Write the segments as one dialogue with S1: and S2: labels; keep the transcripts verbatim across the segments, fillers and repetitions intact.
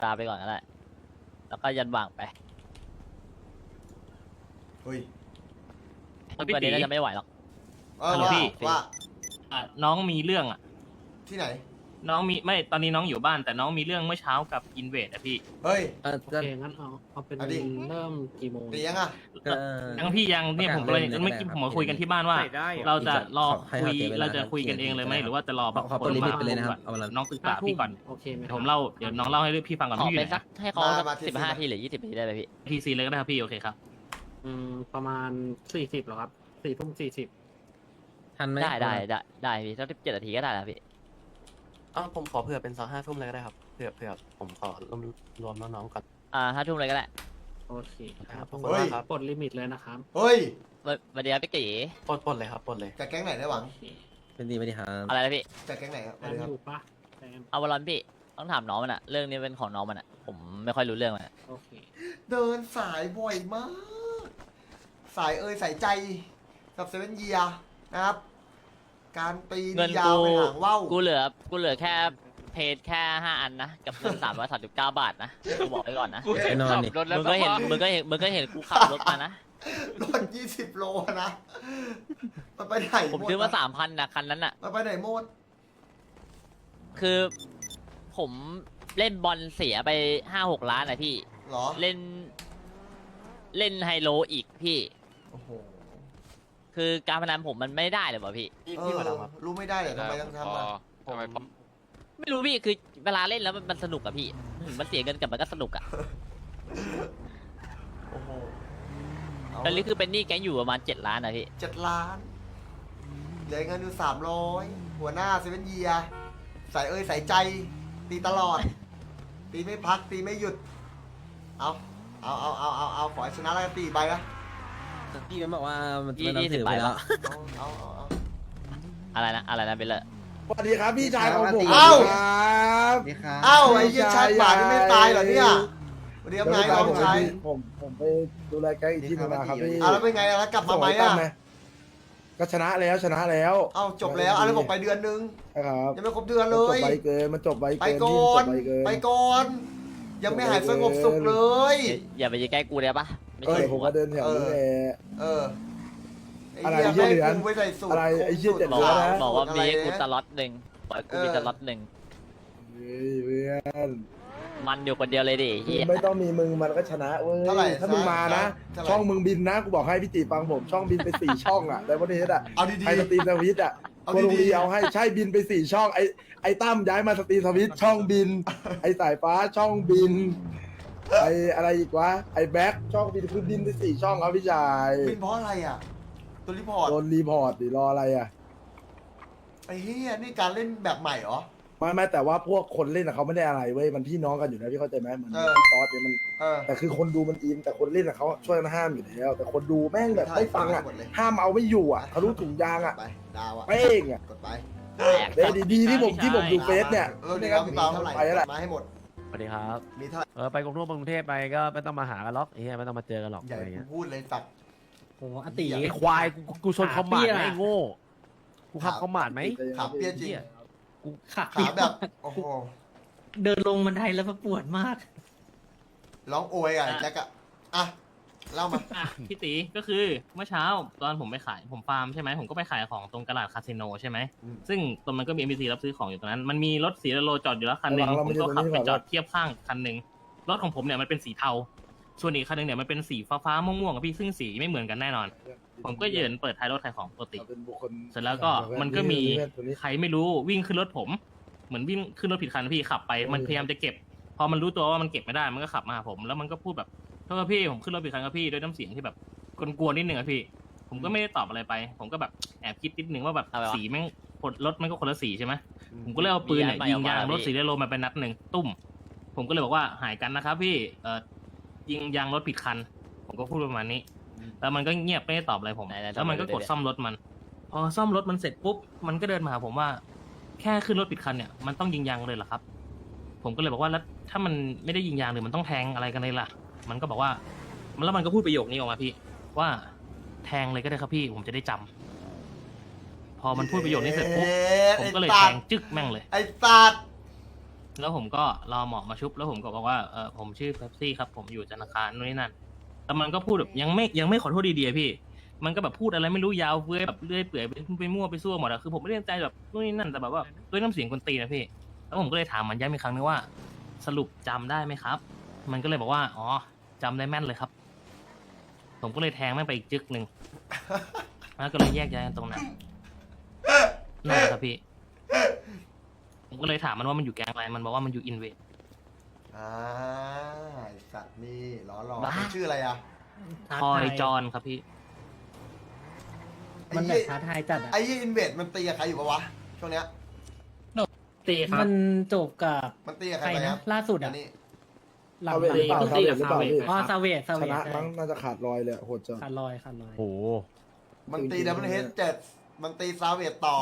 S1: ตามไปก่อนก็ได้แล้วก็ยันว่างไป
S2: เฮ้ย
S1: วันนี้น่าจะไม่ไหวหรอก
S2: เออ
S3: ฮัลโหล
S2: ว่า
S3: พี่
S2: ว่า
S3: อ่ะน้องมีเรื่องอ่ะ
S2: ที่ไหน
S3: น้องมีไม่ตอนนี้น้องอยู่บ้านแต่น้องมีเรื่องเมื่อเช้ากับอินเวดอะพี่
S2: เฮ้ย
S4: เออ
S5: โอเคงั้นเอาเอาเป็น
S2: เอาดิ
S5: เริ่มกี่โมง
S2: ดียังอ่ะ
S4: เออ
S3: ยังพี่ยังเนี่ยผมก็เลย
S4: ประกาศเลย
S3: เมื่อกี้
S4: ได้
S3: ผม
S4: ครับ
S3: มาคุยกันที่บ้านว่า
S6: ใส่ได้อะ
S3: เราจะรอ
S4: ให้
S3: คุย
S4: เขาเสียเวลา
S3: เราจะคุยกันเองเลยไหม
S4: ครับ
S3: หรือว่าจะรอแบบ
S4: ขอเปิดลิมิตไปเลยนะครับ
S3: ก่อ
S4: เอาละ
S3: น้องศึกษาพี่ก่อน
S5: โอเคไหม
S3: เดี๋ยวผมเล่าเดี๋ยวน้องเล่าให้พี่ฟังก่อน
S1: ขอ
S3: พี่อยู่
S1: เป็น
S3: ไหน
S1: สักให้เขา
S2: มามาที่
S1: สิบห้า
S2: สิบ
S1: ทีหรือยี่สิบทีได้ไหมพี่
S3: ทีซีเลยก็ได้ครับพี่โอเคครับ
S5: อืมประมาณสี่สิบหรอครับสี่ทุ่มสี่สิบ
S4: ทันไหม
S1: ได้ได้ได้ได้พี่สักสิบเจ็ดนาทีก็ได้นะพี่
S6: อ๋อผมขอเผื่อเป็นสักห้าทุ่มเลยก็ได้ครับเผื่อเผื่อผมขอรวมรวมน้องๆก่อน
S1: อ่าห้าทุ่มเลยก็ได้
S5: โอเคครับ
S6: ขอบ
S5: ผ
S6: คุ
S5: ม
S6: ณมากครับ
S5: ปลดลิมิตเลยนะครับ
S2: เฮ้ย
S1: วันเดียวพี่กี
S6: ปลดปลดเลยครับปลดเลย
S2: จากแก๊งไหนได้หวัง
S5: โอเค
S4: เป็นดีไม่ดีครับ
S1: อะไรนะพี่
S2: จากแก๊งไหนครับ
S5: แซ
S2: สวัส
S5: ม
S2: ดีครับ
S5: อยู่ปะแซม
S1: เอาวอลลอนพี่ต้องถามน้องมันอะเรื่องนี้เป็นของน้องมันอะผมไม่ค่อยรู้เรื่องมันอะ
S5: โอเค
S2: เดินสายบ่อยมาก สายเอ่ยสายใจกับเซเว่นเยียนะครับ การตีน
S1: เงิน
S2: ยา
S1: กู
S2: วไปหางว่าว
S1: กูเหลือกูเหลือแค่เพจแค่ห้าอันนะกับเงินสามร้อยสามสิบเก้าบาทนะกูบอกไว้ก่อนนะ
S4: ไปนอนดิ
S1: มึงก็เห็นมึงก็เห็นมึงก็เห็นกูขับรถมานะ
S2: รถยี่สิบโลนะ มันไปไหน
S1: ผม
S2: หด
S1: ซื้อมา
S2: นะ
S1: สามพันนะคันนั้นอะ
S2: มันไปไหนหมด
S1: คือผมเล่นบอลเสียไปห้าหกล้านนะพี่
S2: เหรอ
S1: เล่น เล่นไฮโลอีกพี่
S2: โอ้โห
S1: คือการพนันผมมันไม่ได้เลยว่ะพี่
S6: พี่
S2: เอ
S6: พี่
S2: อ
S6: มาดามครับ
S2: รู้ไม่ได้เหรอทำไมต้องทำอ่ะ
S6: ผม
S1: ไม่รู้พี่คือเวลาเล่นแล้วมันมันสนุกอะพี่มันเสียเงินกับมันก็สนุกอะ
S2: โอ้โหเอา
S1: ตอนนี้คือเป็นหนี้แก๊งอยู่ประมาณเจ็ดล้านนะพี่
S2: เจ็ดล้าน เหลือเงินอยู่สามร้อยหัวหน้าเซเว่นเยียสายเอ่ยสายใจ ตีตลอด ตีไม่พัก ตีไม่หยุด เอาเอาเอาเอาเอาเอาขอให้ชนะแล้วกันตีไปนะ
S4: พี่มันบอกว่ามัน
S1: ยี่
S4: มัน
S1: ยี่
S4: เอา
S1: สิบ
S4: ถือไป
S1: ใบ
S4: แล้ว
S1: วะ
S2: เอาเอาเอาเอา
S1: อะไรนะอะไรนะเบลเลอร์
S7: สวัสดีครับพี่ชายของผม
S2: เอ้า
S7: ครับ
S2: เอ้าไอ้เหี้ยชาติหมาที่ไม่ตายเหรอเนี่ยสวัสดีครับนายน้องชาย
S7: ผมผมไปดูแลแกงอีกที่หนึงนะครับพี่
S2: อ่ะแล้วเป็นไงแล้วกลับมาไหมอ่ะ
S7: ก็ชนะแล้วชนะแล้ว
S2: เอ้าจบแล้วอ่ะแล้วบอกไปเดือนนึง
S7: นะครับ
S2: ยังไม่ครบเดือนเล
S7: มันจ
S2: ย
S7: บไปเกินมันจบไป
S2: ไป
S7: เกิน
S2: ก่อน
S7: พี่มันจบไปเกิน
S2: ไปก่อน ยังไม่หายสงบสุขเลย
S1: อย่าไปยืนใกล้กูได้ปะไม่
S7: เอ
S1: ใช่
S7: อผม
S1: กู
S7: ก็
S1: อะ
S7: เดินแถวนี้แหละ
S2: เออไอ้
S7: อะไร
S2: เหี้ย
S7: ไอ้เหี้ย
S2: แม่ง
S7: เหลือน
S2: กูไปใส่สูตร
S7: อะไรไอ้เหี้ยเจ็ด
S1: บอก
S7: หลื
S1: ว่า
S7: นะ
S1: บอกว่า
S2: อะไร
S1: มีให้กู
S2: นะ
S1: สล็อตหนึ่งบอกให้กูมี
S2: เออ
S1: สล็อตหนึ่ง
S7: เฮ้ยเพื่อน
S1: มันอยู่คนเดียวเลยดิเฮีย
S7: ไม่ต้องมีมึงมันก็ชนะเว้
S2: เท่าไหร่
S7: ยถ้ามึงมานะ
S2: เท่าไหร่
S7: ช่องมึงบินนะกูบอกให้พี่ติฟังผมช่องบินไปสี่ช่องอ่ะแต่วันนี้อ่ะ
S2: เอาดี
S7: ไอสตรีมสวิตช์อ่ะ
S2: เอา
S7: โค
S2: ดีๆ
S7: โรงเรียเอาให้ใช่บินไปสี่ช่องไอไอตั้มย้ายมาสตรีมสวิตช์ช่องบิน ไอสายฟ้าช่องบิน ไออะไรอีกวะไอแบ็คช่องบินคือบินไปสี่ช่องครับพี่ชาย
S2: ๆบินเพราะอะไรอ่ะ ตัวรีพอร์ต
S7: โดนรีพอร์ตดิรออะไรอ่ะ
S2: ไอ้เหี้ยนี่การเล่นแบบใหม่เหรอ
S7: ไม่ไม่แต่ว่าพวกคนเล่นอะเขาไม่ได้อะไรเว้ยมันพี่น้องกันอยู่นะพี่เข้าใจไหมเหมือน
S2: เออ
S7: ซอสเนี่ยมัน
S2: เออ
S7: แต่คือคนดูมันอินแต่คนเล่นอะเขาช่วยกันห้ามอยู่แล้วแต่คนดูแม่งแบบไม่ฟังอ่ะ
S2: หมดเลย
S7: ห้ามเอาไม่อยู่อ่ะทะลุถุงยางอ่ะ
S2: ไปดาวอ่ะ
S7: เป้งอ่ะ
S2: กดไป
S7: เด้ดีๆที่ผมที่ผมดูเฟซเนี่ย
S2: เออดีครับพี่เปาเท่าไหร่
S7: ไปแล้วแหละ
S2: มาให้หมด
S8: สวัสดีครับ
S2: มีเท่าไหร่
S8: เออไปกรุงเทพกรุงเทพไปก็ไม่ต้องมาหากันหรอกไอ้เหี้ยไม่ต้องมาเจอกันหรอก
S2: ใหญ่
S8: อะไร
S2: กู
S8: เงี้ย
S2: พูดเลยสัตว์
S5: โหอติ
S8: ไอ้ควายกูกูชนคอมมานด์ไหมไอ้โง่กูขับคอมมานด์ไหม
S2: ขาเปี้ยจริง
S8: เหี้ย
S5: ขา
S2: ขาแบบโอ้โห
S5: เดินลงบันไดแล้วปวดมาก
S2: ร้องโอยอ่ะไอ้แจ็คอ่ะอ่ะเล่ามา
S3: อ่ะพี่ตีก็คือเมื่อเช้าตอนผมไปขายผมฟาร์มใช่ไหมผมก็ไปขายของตรงกระดาษคาสิโนใช่ไหม
S2: อืม
S3: ซึ่งตรงมันก็มี เอ็ม บี ซี รับซื้อของอยู่ตรงนั้นมันมีรถสีโลจอดอยู่แล้วคันหนึ่ง
S7: เรา
S3: ผม
S7: ไม่ได้
S3: ก็ขับ
S7: ตรงนี้
S3: ไป
S7: ดีกว่า
S3: จอดเทียบข้างคันหนึ่งรถของผมเนี่ยมันเป็นสีเทาส่วนอีกคันหนึ่งเนี่ยมันเป็นสีฟ้าๆม่วงๆอะพี่ซึ่งสีไม่เหมือนกันแน่นอน ผมก็ยืนเปิดท้ายรถขายของปกติ
S7: เป็นบุคคล
S3: เสร็จแล้วก็มันก็มีใครไม่รู้วิ่งขึ้นรถผม เหมือนวิ่งขึ้นรถผิดคันพี่ขับไปมันพยายามจะเก็บ พอมันรู้ตัวว่ามันเก็บไม่ได้มันก็ขับมาหาผม แล้วมันก็พูดแบบโทษครับพี่ผมขึ้นรถผิดคันครับพี่ด้วยน้ำเสียงที่แบบกวนๆนิดนึงอะพี่ ผมก็ไม่ได้ตอบอะไรไป ผมก็แบบแอบคิดนิดนึงว่าแบบ
S1: อะไรวะ
S3: สีแม่งคนรถมันก็คนละสีใช่ไหมผมก็เลยเอาปืนเนี่ย
S1: มี
S3: ยิ
S1: อัน
S3: ง
S1: ใหม่ออกมาย
S3: างรถ
S1: พี่
S3: สีเรโลมาไปนัดหนึ่งตุ้ม ผมก็เลยบอกว่าหายกันนะครับพี่เอ่อยิงยางรถผิดคัน ผมก็พูดประมาณนี้ แล้วมันก็เงียบไม่ได้ตอบอะไรผม
S1: ไหนๆ
S3: แล้วมันก็
S1: ทำไม
S3: กดซ่อมรถมัน พอซ่อมรถมันเสร็จปุ๊บ มันก็เดินมาหาผมว่า แค่ขึ้นรถผิดคันเนี่ย มันต้องยิงยางเลยเหรอครับ ผมก็เลยบอกว่าแล้วถ้ามันไม่ได้ยิงยางหรือมันต้องแทงอะไรกันเลยล่ะ มันก็บอกว่า แล้วมันก็พูดประโยคนี้ออกมาพี่ ว่าแทงเลยก็ได้ครับพี่ ผมจะได้จำพอมันพูดประโยคนี้เสร็จปุ๊บ ผมก็เลยแทงจึ๊กแม่งเลย
S2: ไอ้สัตว์
S3: แล้วผมก็รอหมอมาชุบแล้วผมก็บอกว่าเออผมชื่อเป๊ปซี่ครับผมอยู่ธนาคารนู่นนี่นั่นแต่มันก็พูดแบบยังไม่ยังไม่ขอโทษดีๆอะพี่ มันก็แบบพูดอะไรไม่รู้ยาวเฟ้ยแบบเลื่อยเปื่อยไปไปมั่วไปซั่วหมดอะคือผมไม่ได้ตั้งใจแบบนู่นนี่นั่นแต่แบบว่าด้วยน้ำเสียงคนตีนนะพี่แล้วผมก็เลยถามมันย้ำอีกครั้งนึงว่า สรุปจำได้ไหมครับ มันก็เลยบอกว่าอ๋อจำได้แม่นเลยครับ ผมก็เลยแทงแม่งไปอีกจึกหนึ่งแล้วก็เลยแยกย้ายกันตรงนั้นนั่นแหละครับพี่ ผมก็เลยถามมันว่ามันอยู่แก๊งอะไร มันบอกว่ามันอยู่อินเวด
S2: อ่าไอ้สัตว์นี่ล้อหลอก
S1: บ้า
S2: มันชื่ออะไรอ่ะ
S3: คอยจอนครับพี่
S2: ไอ้
S9: มันแบ
S2: ยี่
S9: บท้าทายจัดอะ
S2: ไอ้ยี่อินเวดมันตีกับใครอยู่ปะวะช่วงเนี้ย
S5: ตีครับ
S9: มันจบกับ
S2: มันตีกับใค
S9: ใค
S2: ร
S9: ร
S2: ไปค
S9: นะ
S2: รับ
S9: ล่าสุด
S2: อั
S9: อะ
S2: นนี้
S9: หลัง
S7: ซาเวทหรือเปล่า
S5: ตี
S7: ซาเว
S5: กับ
S7: ทหรือเปล่า
S5: ซาเวท
S7: พี่
S9: อ๋อซาเวตซา
S7: ช
S9: เวต
S7: นะ
S9: ใช่
S7: มั้งน่าจะขาดลอยเลยอะโหดจัง
S9: ขาดลอยขาดลอย
S8: โอ้โห
S2: มันตีดับเบิลเฮดเจ็ดมันตีซาเวตต่อก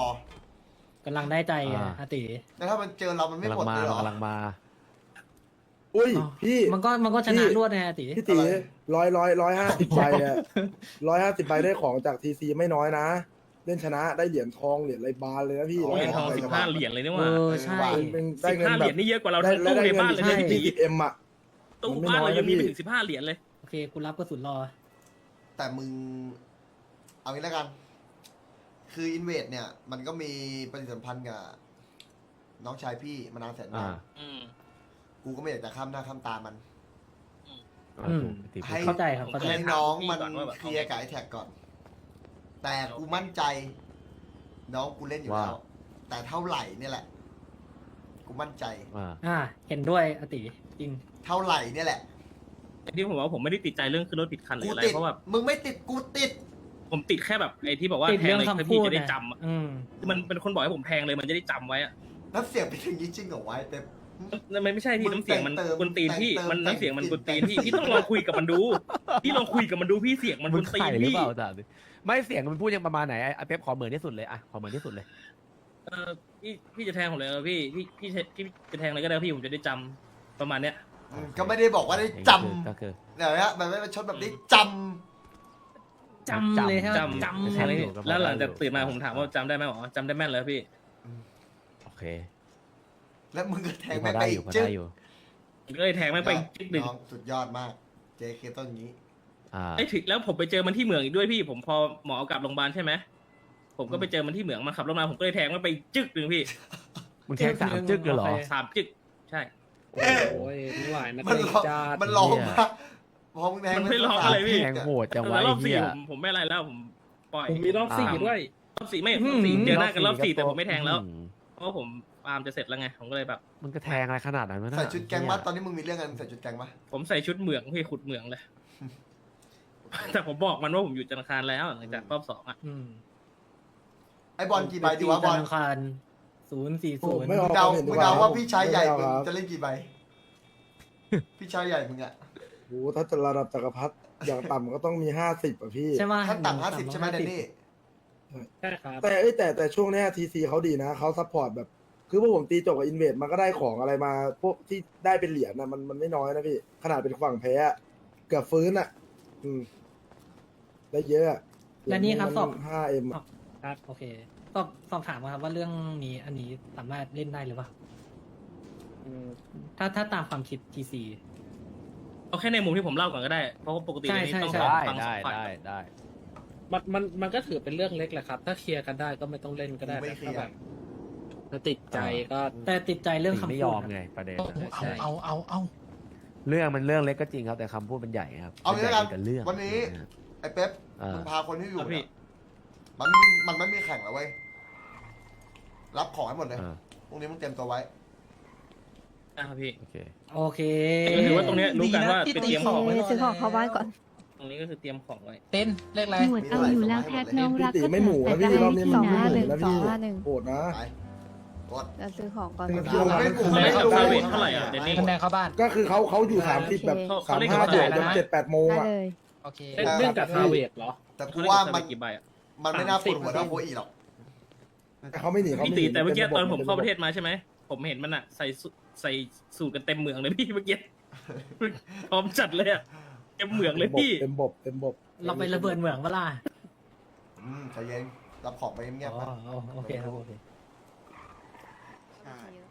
S9: ำลังได้ใจอะ
S8: อ่า
S9: อาติ
S2: แล้วถ้ามันเจอเรามันไม่
S8: กำลั
S2: หม
S8: ง
S2: ด
S8: มา
S2: เลยเหรอก
S8: ำลังมา
S7: อุ้ยพี่
S9: มันก็มันก็ชนะ
S7: พี่
S9: รวดไงอาติ
S7: พี่ตีร้อยร้อยร้อยห้าสิบใบอะร้อยห้าสิบใบได้ของจากทีซีไม่น้อยนะ เล่นชนะได้เหรียญทองเหรียญอะไรบานเลยนะพี่
S3: เหรียญทอง
S7: ร้ย
S3: สิบ
S7: กว่
S3: ห้าเหรียญเลยนี่ห
S9: เอ
S3: ว่า
S9: อใช่
S7: เป็นได้
S3: สิบ
S7: เงิน
S3: ห้าเห
S7: แบ
S3: รีย
S7: บ
S3: ญนี่เยอะกว่าเรา
S7: ได้
S3: ทั้ง
S7: ได้
S3: ตู้ใน
S7: เงิ
S3: บ้าน
S7: น
S3: เลย
S7: ใช่
S3: นะพี่
S7: ยี่สิบเอ็มอะ
S3: ตู้
S7: มันไม่
S3: บ้าน
S7: น้อย
S3: เรายัง
S7: นะ
S3: มี
S7: พี่
S3: ไปถึงสิบห้าเหรียญเลย
S9: โอเคกูรับกระสุนรอ
S2: แต่มึง เอางี้แล้วกัน คืออินเวดเนี่ย มันก็มีปฏิสัมพันธ์กับน้องชายพี่มานานแสนนาน
S8: อ่า
S3: อืม
S2: กูก็ไม่อยากจะข้ามหน้าข้ามตามัน
S9: อืม
S8: ถูกตีพูด
S2: ให้
S9: เข้าใจครับเข้าใจ
S2: ให้น้องมัน
S3: ก่อนว่าแบบ
S2: เคลียร์กับไอ้แท็กก่อน แต่กูมั่นใจ น้องกูเล่นอยู่
S8: ว่า
S2: แล้ว แต่เท่าไหร่เนี่ยแหละ กูมั่นใจ
S8: อ่า
S9: อ่า เห็นด้วยอาติจริง
S2: เท่าไหร่เนี่ยแหละ
S3: ที่ผมว่าผมไม่ได้ติดใจเรื่องขึ้นรถผิดคันหรื
S2: กู
S3: ออะไร
S2: ติด
S3: เพราะแบบ
S2: มึงไม่ติดกูติด
S3: ผมติดแค่แบบไอ้ที่บอกว่า
S9: ติด
S3: แทง
S9: เรื่อง
S3: เลย
S9: คำ
S3: ถ้า
S9: พู
S3: พี่
S9: ด
S3: จะได้
S9: นะ
S3: จำอะ
S9: อืม
S3: มันเป็นคนบอกให้ผมแทงเลยมันจะได้จำไว้อะ
S2: น้ำเสียงเป็นอย่างนี้จริงเหรอวะไอ้เป๊ป
S3: มันไม่ใช่พี่
S2: มึง
S3: น้ำเสียงมัน
S2: แต่งเติม
S3: กวนตีนพี่
S2: แต่งเติม
S3: มันน้ำเสียงมัน
S2: แต่ง
S3: กวนตีนพี่
S2: แต่ง
S3: พี่ต้องลองคุยกับมันดู พี่ลองคุยกับมันดูพี่เสียงมันก
S8: มึ
S3: ว
S8: ง
S3: นตี
S8: ไข่
S3: น
S8: หรือ
S3: พี่
S8: เปล่าจ้ะไม่เสียงมันพูดยังประมาณไหนไอ้เป๊ปขอเหมือนที่สุดเลยอะขอเหมือนที่สุดเลย
S3: เออพี่พี่จะแทงผมเลยเหรอพี่พี่พี่พี่จะแทงอะไรก็ได้พี่ผมจะได้จำประมาณเนี้ย
S2: อืมก็ไม่ได้บอกว่าได้จ
S8: ก็คือ
S2: ำเดี๋ยวนะมันไม่เป็นชดแบบนี้จ
S9: จำเลยใช่ไหม
S3: จำ
S9: จำ
S3: แทงเลย
S8: อยู่กับมัน
S3: แล้วหลังจาก
S8: อยู่
S3: ตื่นมาผมถามว่าจำได้ไหมอ๋อจำได้แม่นเลยพี่
S2: ำ
S8: โอเค
S2: แล้วมึงก็แทง
S8: พ
S2: ไม่
S8: อได้
S2: ไป
S8: อ
S2: อี
S8: ยู่
S2: ก
S8: พอ
S2: จึ๊
S8: ได้อยู่
S3: ผมก็เลยแทงแม่งไปจิ๊กหนึ่ง
S2: น้องสุดยอดมาก เจเคต้นอย่างนี้
S8: อ่า
S3: ไอ้ถึงแล้วผมไปเจอมันที่เหมืองอีกด้วยพี่ ผมพอหมอเอากลับโรงพยาบาลใช่ไหมผมก็ไปเจอมันที่เหมืองมันขับรถมาผมก็เลยแทงมันไปจึ๊กหนึ่งพี่
S8: มึงแทงสามจึ๊กเลยเหรอ
S9: โอเค
S3: สามจึ๊กใช่
S5: โอ้ยไม่ไหวนะ
S2: มัน
S5: เตะ
S2: ร้อง
S5: จ้า
S2: มันร้อง
S8: เหี้ย
S2: มาพอมึงแทง
S3: มันไม่ร้องอะไรพี่
S8: แทงโหดจัง
S3: แต่
S8: วะ
S3: ร
S8: ไอ้
S3: อบสี่
S8: เหี้ย
S3: ผมผมไม่อะไรแล้วผมปล่อย
S5: ผมมีรอบสี่
S8: อ่า
S5: ด้วย
S3: รอบสี่ไม่รอบสี่เจอหน้ากันรอบสี่แต่ผมไม่แทงแล้ว
S8: อืม
S3: เพราะว่าผมอาร์มจะเสร็จแล้วไงผมก็เลยแบบ
S8: มันก็แทงอะไรขนาดนั้นวะน่ะ
S2: ใส่ชุดแกงมัดตอนนี้มึงมีเรื่องกันใส่ชุดแกงมัด
S3: ผมใส่ชุดเหมืองพี่ขุดเหมืองเลย แต่ผมบอกมันว่าผมอยู่ธนาคารแล้วหลังจากรอบสองอ่ะ
S9: อืม
S2: ไอ้บอลกี่ใบดีวะบอล
S9: ธนาคารศูนย์สี่
S7: โอ้
S9: ศูนย์
S7: ไม่อ
S2: มึ
S7: อง ก
S2: เดา
S7: ความเห็น
S2: มึ
S7: ดี
S2: ง
S7: กว่า
S2: เดาว่า
S7: ครับ
S2: พี่ชายใหญ่
S7: ไม่
S2: มึง
S7: เอาครับ
S2: จะเล่นกี่ใบ พี่ชายใหญ่มึงอะ
S7: โอ้โหถ้าจะระดับจักรพรรดิอย่างต่ำก็ต้องมีห้าสิบอะพี่
S9: ใช่ไหม
S2: ขั้นต่ำห้าสิบใช่ไหมแดนนี่
S5: ใช่ครับ
S7: แต่เอ้ยแต่แต่ช่วงเนี้ทีซีเขาดีนะเขาซัพพอร์ตแบบ คือพวกผมตีจบกับอินเวดมันก็ได้ของอะไรมา พวกที่ได้เป็นเหรียญนะมันมันไม่น้อยนะพี่ ขนาดเป็นฝั่งแพ้อะเกือบฟื้นอะอืม ได้เยอะอะ
S9: และนี่ครับสอบ
S7: ห้าเอ็ม
S9: ครับโอเคสอบสอบถามมาครับว่าเรื่องนี้อันนี้สามารถเล่นได้หรือเปล่าอืมถ้าถ้าตามความคิดทีซี
S3: เอาแค่ในมุมที่ผมเล่าก่อนก็ได้เพราะว่าปกติ
S9: ใช่
S3: ในนี้
S9: ใช่
S3: ต้อง
S9: ใช่
S3: ฟั
S8: ได้
S3: งส
S8: ได้
S3: องฝ่าย
S8: ได้ได้
S5: มันมันมันก็ถือเป็นเรื่องเล็กแหละครับ ถ้าเคลียร์กันได้ก็ไม่ต้องเล่นก็ได้
S2: ไม่
S5: แต่
S2: เคลี
S5: ถ้าย
S2: ร์
S5: แบบถ้าติดใจก็
S9: แต่ติดใจเรื่อง
S8: ถึง
S9: คำ
S8: ไม่
S9: พู
S8: ย
S9: ด
S8: อม
S9: นะ
S8: ไงประเด็น
S9: ใช่
S8: เอาเอาเอาเรื่องมันเรื่องเล็กก็จริงครับแต่คำพูดมันใหญ่ครับ
S2: เอางี้แล้วกัน
S8: มัใหญ่แต่เรื่อง
S2: วันนี้ ไอ้เป๊ป
S8: อ่า
S2: มึงพาคนที่อยู่
S3: ครับพี่
S2: เนี่ยมันไม่มีมันไม่มีแข่งแล้วเว้ย รับของให้หมดเลย
S8: อ่า
S2: พรุ่งนี้มึงเตรียมตัวไว้
S3: นะครับพี่
S8: โอเค
S9: โอเค
S3: ก็ถือว่าตรงเนี้ยรู้กันว่าไปเตรียมของไว้
S10: ซื้อของเข้าบ้านก่อน
S3: ตรงนี้ก็คือเตรียมของไว้
S1: เต้นเลขอะไร
S10: หมวดเอาอยู่แล้วแพทน้องรัก
S7: พี่ตี
S10: ก็
S7: ไม่หมูนะพี่รอบนี้
S10: ส
S7: มัน
S10: อง
S7: ไม่
S10: ห้า
S7: ห
S10: ห
S7: มู
S10: นึ่ง
S7: แล้ว
S10: สอง
S7: พี่
S10: ห้าหนึ่ง
S7: โหดนะ
S2: ไปกด
S10: จะซื้อของก่อน
S7: มัน
S10: นะ
S7: เที่ยวร้าน
S2: ไม่หมู
S7: ผม
S3: ไม่
S7: ไม่
S3: เข้า
S7: ได้
S3: เวทเท่าไหร่อ่ะเดนนี่
S1: คะแนนเข้าบ้าน
S7: ก็คือเขาเขาอยู่สามสิบแบบ
S3: เขา
S7: สาม
S3: เขาเรียก
S7: ห้า
S3: ว่า
S7: บวก
S3: อะไร
S7: จน
S3: นะ
S7: เจ็ดแปดโมง
S10: ได้
S7: อ่ะ
S10: เลย
S1: โอเค
S5: เล่นเรื่องกับซาเวดเหรอ
S2: แต่กูว่ามัน
S3: กี่ใบอ่ะ
S2: มันไม่น่าปวดหัวเท่าโคอีหรอก
S7: เขาไม่หนีเขา
S3: พี่
S7: ไม่ห
S3: ตี
S7: นี
S3: แต่เมื่อกี้
S7: ป็
S3: ตอนผม
S7: ป็
S3: เข้าประเทศมาใช่ไหมผมเห็นมันอ่ะใส่สูใส่สูตรกันเต็มเมืองเลยพี่เมื่อกี้พร้อมจัดเลยอ่ะเต็มเมืองเลยพี่
S7: เต็มบบเต็มบบ
S9: เราไประเบิดเหมืองเวลา
S2: อืมใจเย็น รับของไปเงียบๆ
S9: อ๋
S2: นะ
S9: อโอเคครับโอเค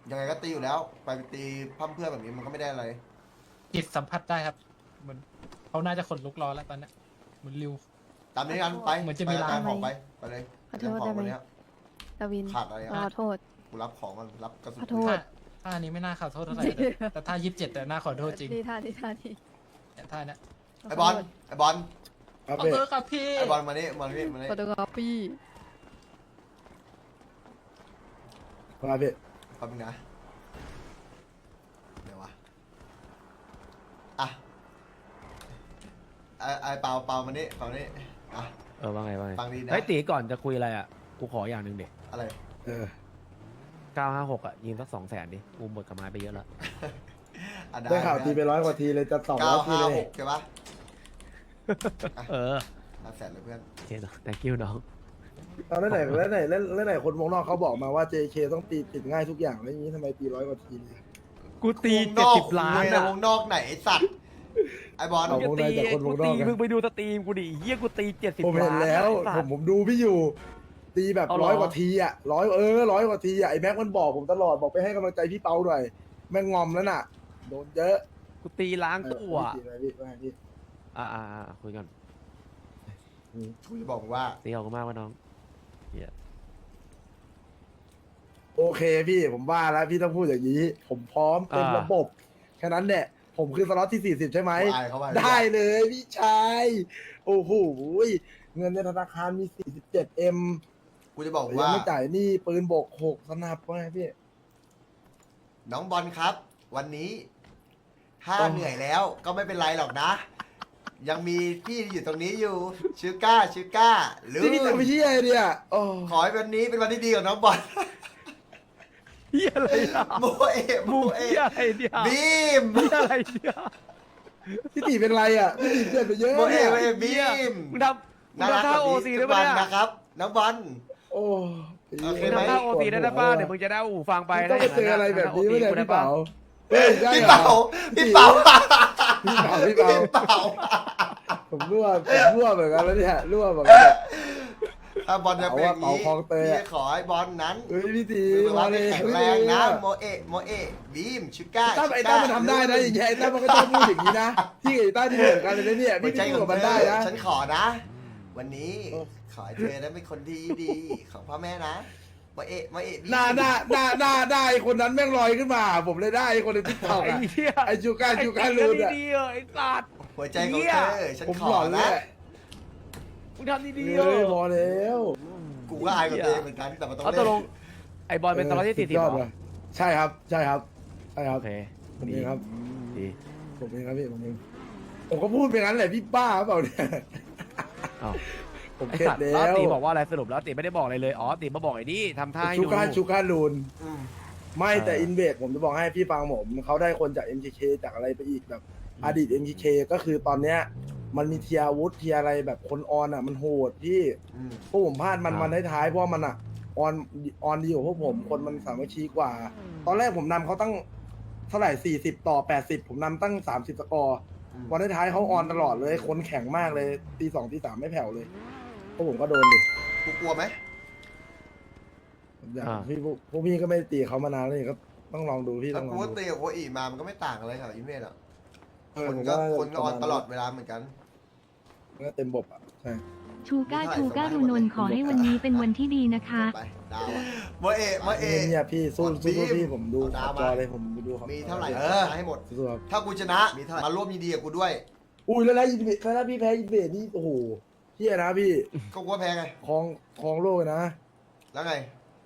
S2: ยังไงก็ตีอยู่แล้ว ไปตีพั่มเพื่อนแบบนี้มันก็ไม่ได้อะไร
S5: จิตสัมผัสได้ครับเหมือนเขาน่าจะขนลุกรอแล้วตอนเนี้ยเหมือนริว
S2: ตามนี้กันไป
S5: เหมือนจะมี
S2: ไป
S5: ลาง
S2: ตามของไปไปเลย
S10: ขอโทษได้ไหม
S2: เรื่องของวันเนี้ย
S10: ดาวิน
S2: ขาดอะไร
S10: ขอ
S2: อ่ะ
S10: โทษ
S2: กูรับของมันรับกระสุน
S10: ขอโทษ
S5: ถ้าท่านี้ไม่น่าขอโทษเท่าไหร่แต่แต่ท่ายี่สิบเจ็ดแต่น่าขอโทษจริง
S10: ดีท่าดีท่าดี
S5: แต่ท่าเนี้ย
S2: ไอ้บอลไอ้บอล
S7: ครับ
S5: ขอ
S7: พี่
S5: โทษครับพี่
S2: ไอ้บอลมานี่มานี่มานี่
S10: ฟอโตกราฟี
S7: ครับพี่
S2: แป๊บนึงนะเดี๋ยววะอ่ะไอ้ไอ้เปาเปามานี่เปามานี่อ่ะ
S8: เออว่าไงว่าไง
S2: ฟังดีนะ
S8: เฮ้ยตีก่อนจะคุยอะไรอ่ะกูขออย่างหนึ่งเด็ก
S2: อะไร
S7: เออ
S8: เก้าห้าหกอ่ะยิงสักสองแสนดิกูหมดกับไม้ไปเยอะแล้ว
S2: อ่ะ
S7: ได้ข่าวตีไปร้อยกว่าทีเลยจะสองร้
S2: เก้า
S7: อยที
S2: ห้า
S7: เล
S2: ห
S7: ย
S2: กใช่ปะ
S8: เออ
S2: ห้าแสนเลยเพื่อน
S8: โอเคเนาะ thank you น้อง
S7: ตอนนั้นไหนแล้วไหนแล้วแล้วไหนคนวงนอกเขาบอกมาว่า เจ เค ต้องตีติดง่ายทุกอย่างแล้วอย่างนี้ทำไมตีร้อยกว่าทีเนี่ย
S8: กูตี
S2: วงน
S8: เจ็ด
S2: อก
S8: สิบล้าน
S2: คุยใน
S8: อ่ะ
S2: วงนอกไหนไอ้สัตว์ไอ้บอล
S7: เอา
S8: กู
S7: วงใน
S8: ตี
S7: จากคนว
S8: กู
S7: งนอ
S8: ตี
S7: กไง
S8: มึงไปดูสตรีมกูดิเฮียกูตีเจ็ดสิบ
S7: ผม
S8: ล้าน
S7: เห็นแล้ว
S8: ไอ้สั
S7: ผ
S8: ต
S7: ม
S8: ว์
S7: ผมดูพี่อยู่ ตีแบบ
S8: เอาเหรอ
S7: ร้อยกว่าทีอ่ะร้อยเออร้อยกว่าทีอ่ะไอ้แม็กมันบอกผมตลอดบอกไปให้กำลังใจพี่เปาหน่อยแม่งงอมแล้วน่ะโดนเยอะ
S8: กูตีล้าง
S7: เออ
S8: ตัว
S7: พี่ตีอะไรพี่ว่าไงพี่
S8: อ่าอ่าอ่าคุยกัน
S2: กูจะบอกว่า
S8: ตีขอบคุณมากว่าน้องเฮีย
S7: โอเคพี่ผมว่าแล้วพี่ต้องพูดอย่างนี้ ผมพร้อมเต็มระบบแค่นั้นแหละผมคือสล็อตที่สี่สิบใช่ไหม
S2: กูอายเขาไป
S7: ได้เลยพี่ชายโอ้โหเงินในธนาคารมี สี่สิบเจ็ดเอ็ม
S2: กูจะบอก
S7: ยั
S2: ว่า
S7: งไม่จ่ายหนี้ปืนบกหกสนับว่าไงพี่
S2: น้องบอลครับ วันนี้ถ้า
S7: โอ้
S2: เหนื่อยแล้วก็ไม่เป็นไรหรอกนะ ยังมีพี่อยู่ตรงนี้อยู่ชื่อก้าชื่อก้าหรือ
S7: ที่พี่ทำไปที่ไอเดียโอ้
S2: ขอให้วันนี้เป็นวันที่ดีของน้องบอล
S8: เฮียอะไรอ่ะ
S2: โมเอะโม
S8: มู
S2: เอ
S8: เฮีย
S2: ะ
S8: อะไรเนี่ย
S2: บีม
S8: เฮียอะไรเนี่ย
S7: พี่ตีเป็นไรอ่ะพี่ตีเจ็บไปเยอะ
S2: โมเอ
S7: เนี่ย
S2: ะโมเอะบีม
S8: มึงทำมึงทำท่าโอซีได้
S2: ทุก
S8: ปะ
S2: วัน
S8: เนี่ย
S2: นะครับ น้องบอล
S7: โอ้
S2: โอเค
S8: มึง
S2: ไหม
S8: ทำท่าโอซีได้นะป้าเดี๋ยวมึงจะได้หูฟังไป
S7: ต้องไปเจออะไรแบบนี้ไม่ได้พี่เป๋าเฮ้ยใช่
S2: พี่
S7: เหรอ
S2: เป๋าพี่เป๋า
S7: พี่เป๋าพี่เป๋า
S2: พี่เป๋า
S7: ผมรั่วผมรั่วเหมือนกันแล้วเนี่ยรั่วเหมือนกันเนี่ย
S2: ถ้าบอลจะเป็นอย่างนี้
S7: เป๋าคลองเตย
S2: พี่
S7: อะ
S2: ขอให้บอลนั้น
S7: เฮ้ยพี่ตี
S2: มือ
S7: มา
S2: ว่า
S7: เล
S2: ไม่
S7: ย
S2: แข็งแรงนะโมเอะโมเอะบีมชื่อก้า
S7: ตั้มไอ้ตั้มมันทำได้นะอย่างเงี้ยไอ้ตั้มมันก็ต้องพูดอย่างนี้นะพี่กับไอ้ตั้มที่เหมือนกันเลยนะเนี่ย
S2: หัว
S7: พี่
S2: ใจ
S7: พี่
S2: ข
S7: พูด
S2: อง
S7: กับมันได้นะ
S2: ฉันขอนะ วันนี้
S7: โอ้
S2: ขอให้เธอนั้นเป็นคนดีดีของพ่อแม่นะโมเอะโมเอะบีม
S7: หน้าหน้าหน้าหน้าหน้าไอ้คนนั้นแม่งลอยขึ้นมา ผมเลยได้ไอ้คนในทิกตอก
S8: ไอ้
S7: อะ
S8: เหี้ย
S7: ไอ้จูการจูการลูนอะ
S8: ดีๆเออไอ้สัตว์
S2: หัวใจของเธอฉัน
S7: ผม
S2: ขอ
S7: หลอนเล
S2: นะ
S7: ย
S8: มึงทำดีๆเอ
S7: เฮ้ย
S8: อ
S7: พอแล้ว
S2: กูก็อายกับตัวเองเหมือนกันแต่มันต้อง
S8: เอาต
S2: เล่
S8: กลง
S2: น
S8: ไอ้บอลเป็นตลอดที่สี่สิบ
S7: ย
S8: เห
S7: อ
S8: ร
S7: ด
S8: อ
S7: ว่ะใช่ครับใช่ครับใช่ครั
S8: โอบ เค
S7: ผมเองครับ
S8: ดี
S7: ผมเองครับพี่ผมเองผมก็พูดไปงั้นแหละพี่ป้าเปล่าเนี่ย
S8: อ้าว
S7: ผม
S8: ไอ้
S7: เข็ด
S8: สัตว์
S7: แล้
S8: แล้ว
S7: ว
S8: ตีบอกว่าอะไรสรุปแล้วตีไม่ได้บอกอะไรเลยอ๋อตีมาบอกไอ้นี่ทำท่าให้
S7: ชู
S8: ดู
S7: การชูการลูน
S2: อืม
S7: ไม่แต่
S8: เอออิ
S7: อินเวดผมจะบอกให้พี่ฟังผมเขาได้คนจาก เอ็ม เค เค จากอะไรไปอีกแบบอดีต เอ็ม เค เค ก็คือตอนเนี้ยมันมีเทียร์อาวุธเทียร์อะไรแบบคนออนอ่ะมันโหดพี่
S2: อืม
S7: พวกผมพลาดมันมันท้ายๆเพราะว่ามันอ่ะออนออนดีกว่าพวกผมคนมันสามัคคีกว่า ตอนแรกผมนำเขาตั้งเท่าไหร่สี่สิบต่อแปดสิบผมนำตั้งสามสิบสกอร์
S2: อืม
S7: วันท้ายๆเขาออนตลอดเลยคนแข็งมากเลยตีสองตีสามไม่แผ่วเลยพวกผมก็โดนดิ
S2: กูกลัวไหม
S7: ผมอยากพี่พวกพวกพี่ก็ไม่ได้ตีเขามานานแล้วนี่ก็ต้องลองดูพี่
S2: ถ้า
S7: ต้องล
S2: กู
S7: อง
S2: ว่า
S7: ดู
S2: ตีกับโคอีมามันก็ไม่ต่างอะไรกับอินเวดอ่ะ
S7: เออ
S2: คน
S7: ผม
S2: ก็
S7: ว่า
S2: คนก็ออน
S7: ประมาณ
S2: ตลอดเวลาเหมือนกัน
S7: ก็เต็มบบอ่ะใช่
S10: ชูก้าชูก้ารูนนท์ขอให้วันนี้เป็นวันที่ดีนะคะ
S2: ไปดาวอะโมเอะโมเอะ
S7: เนี่ยพี่สู้
S2: กด
S7: สู้
S2: บีม
S7: พี่ผมดู
S2: เอาดาว
S7: จ
S2: มา
S7: อเลยผมดูครับ
S2: มีเท่าไหร่เออให้หมด
S7: สู้ครับ
S2: ถ้ากูชนะมาร่วมยินดีกับกูด้วย
S7: อุ้ยแล้วนะอินเวดแล้วพี่แพ้อินเวดนี่โอ้โหเฮียนะพี่
S2: ก็กูว่าแพ้ไง
S7: คลองคลองโลกเลยนะ
S2: แล้วไง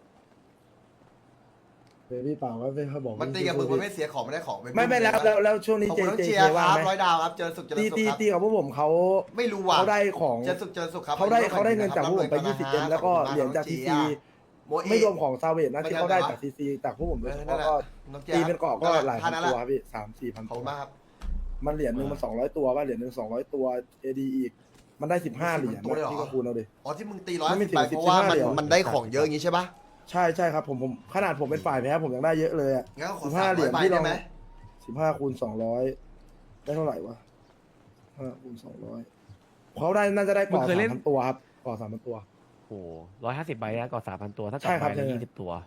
S7: เดี๋ยวพี่เปล่าว่าไม่เขาบอก
S2: มันตีกับมึงมันไม่เสียของไม่ได้ของป
S7: ไม่ไม่แล้วแล้วแล้วช่วงนี้
S2: ขอบ
S7: เจ
S2: คุณต้อง
S7: เจ
S2: เชี
S7: เค
S2: ยร์ค
S7: ว่า
S2: รับ
S7: ไหม
S2: ร้อยดาวครับเจอสุขเจริ
S7: ตี
S2: ญสุข
S7: ตี
S2: ครับ
S7: ตีกับพวกผมเขา
S2: ไม่รู้ว่ะ
S7: เขาได้ของ
S2: เจอสุขเจริญสุขครับ
S7: เขาได้
S2: ม่รู้
S7: เขาได้เงินจากพวกผมไป
S2: ร่ำรวย
S7: ยี่สิบเอ็มแล้วก็เหรียญจากทีซี
S2: โมเอะ
S7: ไม่รวมของซาเวตนะ
S2: ไม่
S7: ที่
S2: ใช่
S7: เขาได้
S2: เหรอ
S7: จากทีซีจากพวกผมโด
S2: เอย
S7: เฉ
S2: อนั่น
S7: พาะ
S2: แหละ
S7: ก็
S2: น้องแจ๊
S7: ตีเป็นเกาะก็หลายพัน
S2: ท่
S7: ตัว
S2: แหละ
S7: ครับพี่สามสี่พัน
S2: ขอบ
S7: ตั
S2: คุ
S7: ว
S2: ณมากครับ
S7: มันเหรียญหนึ่งมันสองร้อยตัวว่าเหรียญหนึ่งสองร้อยตัวเอดีอีก มันได้สิบห้าเหรียญ
S2: ตัวเลยเหรอ
S7: พี่ก็คูณเอาดิ
S2: อ๋อที่มึงตีร้อย
S7: ไม่
S2: สิบ
S7: ถึง
S2: ไป
S7: สิบ
S2: เพราะว่ามัน
S7: สิบห้าเหรียญ
S2: มันได้ของเยอะอย่างงี้ใช่ปะ
S7: ใช่ใช่ครับผมผมขนาดผมเป็นฝ่ายแพ้ผมยังได้เยอะเลยอ่ะ
S2: งั้นก็ขอ
S7: สิบ
S2: สา
S7: ห้าม เหรี
S2: ร้อย
S7: ยญ
S2: ใบ
S7: ที่
S2: ได้
S7: เรา
S2: ไหม
S7: สิบห้าคูณสองร้อยได้เท่าไหร่วะห้าคูณสองร้อยเขาได้น่าจะได้ก่อ
S8: มึงเคย
S7: สา
S8: เล่
S7: ม
S8: น
S7: พันตัวครับก่อสามพันตัว
S8: โอ้ร้อยห้าสิบใบนะก่อนสามพันตัวถ้า
S7: ใช่
S8: กับ
S7: ครับ
S8: ใบ
S7: ใช่
S8: ละยี่สิบตัว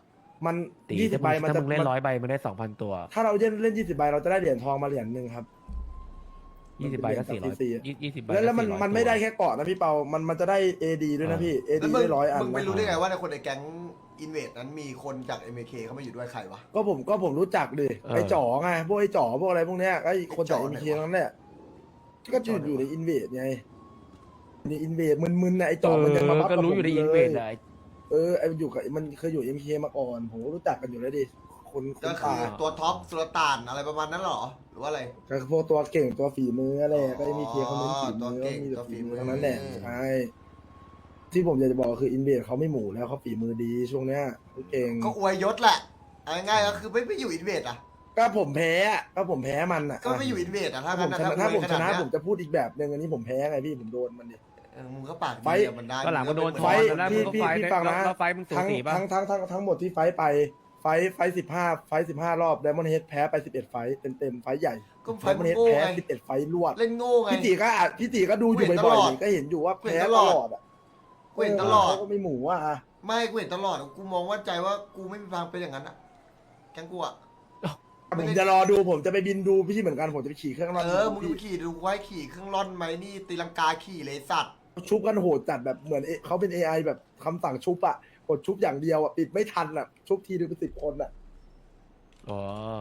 S7: มัน
S8: ตี
S7: ยี่สิ
S8: ถ้า
S7: บใบ
S8: มึง
S7: มัน
S8: ถ้า
S7: จะ
S8: มึงเล่น
S7: มัน
S8: ร้อยใบมึงได้สองพันตัว
S7: ถ้าเราเล่นเล่นยี่สิบใบเราจะได้เหรียญทองมาเหรียญหนึ่งครับ
S8: ยี่สิบใบก็สี่ร้อย
S7: มันเป็นเหรียญ
S8: ยี่สิบใบ
S7: แล้วแล้วมัน
S8: ก็สี่ร้อย
S7: มันไม่
S8: ตัว
S7: ได้แค่เกาะนะพี่เปา มันมันจะได้ เอ ดี ด้วยนะพี่ เอ
S2: แล้ว
S7: ดี
S2: มึง
S7: ได้ร้อยอัน
S2: มึงไม่
S7: นะ
S2: รู้ได้ไงว่าในคนในแก๊งอินเวดนั้นมีคนจาก เอ็ม เค เข้ามาอยู่ด้วยใครวะ
S7: ก็ผมก็ผมรู้จักดิไอ้จ๋อไงพวกไอ้จ๋อพวกอะไรพวกเนี้ยไอ้คนจาก
S2: ไอ้
S7: เอ็
S2: จ๋
S7: ม
S2: อ
S7: เค
S2: ไหนวะ
S7: นั่นแหละก็อยู่อยู่ในอินเวดไงในอินเวดมึนๆน่ะไอ้จ๋อมันยังมาบัฟ
S8: ก็
S7: กับ
S8: รู้
S7: ผม
S8: อยู่ใน
S7: เล
S8: อินเวด
S7: ย
S8: อะ
S7: เออไอ้อยู่กับมันเคยอยู่เอ็มเคมาก่อนผมก็รู้จักกันอยู่แล้วดิคนค
S2: ก็
S7: น
S2: คื
S7: ตา
S2: อตัวท็อปสุลต่านอะไรประมาณนั้นเหรอ หรือว่าอะไร
S7: ก็พวกตัวเก่งตัวฝีมืออะไรก็เอ็มเคเขาเน้นฝี
S2: ตัว
S7: มือ
S2: เก่ง
S7: มีแต่
S2: ตัวฝี
S7: ฝี
S2: มื
S7: มื
S2: อ
S7: อทั้งนั้นแหละใช่ที่ผมอยากจะบอกคืออินเวดเขาไม่หมู่แล้วเขาฝีมือดีช่วงเนี้ยเขาเก่ง
S2: ก็อวยยศแหละเอาง่ายๆก็คือไม่ไม่อยู่อินเวดอ่ะ
S7: ก็ผมแพ้อะก็ผมแพ้มันอ่ะ
S2: ก็ไม่อยู่อินเวดอ่ะถ้า
S7: ถ้าผ
S2: งั้น
S7: ม
S2: นะ
S7: ชนะถ้าผมชนะ
S2: อวยขดเย
S7: ผมจะพูดอีกแบบหนึ่งอันนี้ผมแพ้ไงพี่ผมโดนมันดิ
S2: เออมึงก็ปาก
S7: ไฟ
S2: ดีอะมันได้
S8: ก็หลังก็โดน
S2: มึ
S8: ท
S2: ง
S8: อน
S2: ก็
S8: แล้ว
S7: พี่
S8: มึงก็
S7: พี่
S8: ไฟ
S7: พี่
S8: ท์
S7: ฟังนะ
S8: แล้วไฟท์มึงสู
S7: ทั้ง
S8: สีป่ะ
S7: ทั้งทั้งทั้งทั้งหมดที่ไฟท์ไปไฟท์ไฟสิบห้าไฟสิบห้ารอบไดมอนด์เฮดแพ้ไปสิบเอ็ดไฟท์เต็มเต็มๆไฟท์ใหญ่
S2: ก็ไฟ
S7: ไดมอนด์เฮด
S2: โง่
S7: แพ้
S2: ไง
S7: สิบเอ็ดไฟท์รวด
S2: เล่นโง่ไง
S7: พี่ตีก็อ่ะพี่ตีก็ดูอยู่
S2: กูเห็น
S7: บ่อย
S2: ตลอด
S7: ๆนี่ก็เห็นอยู่ว่า
S2: กูเห็
S7: แพ้
S2: นต
S7: ต
S2: ลอด
S7: ลอดอ่ะ
S2: กูเห็นตลอด
S7: เขาก็ไม่หมูอ่ะ
S2: ไม่กูเห็นตลอดกูมองว่าใจว่ากูไม่มีทางเป็นอย่างนั้นอ่ะแกงกูอ่ะ
S7: ผมจะรอดูผมจะไปบินดูพี่เหมือนกันผมจะไปขี่เครื่องร่อน
S2: เออมึงไปขี่ดูไว้ขี่เครื่องร่อนไหมนี่ตีลังกาขี่เลยสัตว์
S7: ชุบกันโหดจัดแบบเหมือนเอเขาเป็น เอ ไอ แบบคำสั่งชุบอ่ะกดชุบอย่างเดียวอ่ะปิดไม่ทันอ่ะชุบทีนึงเป็นสิบคนอ่ะ
S8: อ๋อ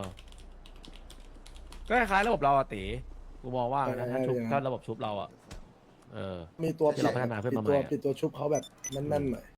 S8: ก็คล้ายๆระบบเราอะตีกูมองว่านะถ้าชุบถ้าระบบชุบเราอะเออ
S7: มีตัว
S8: ที่เราพัฒนาขึ้นมาใหม่
S7: ปิดตัว
S8: อะ
S7: ปิดตัวชุบเขาแบบนั่นๆหน่อย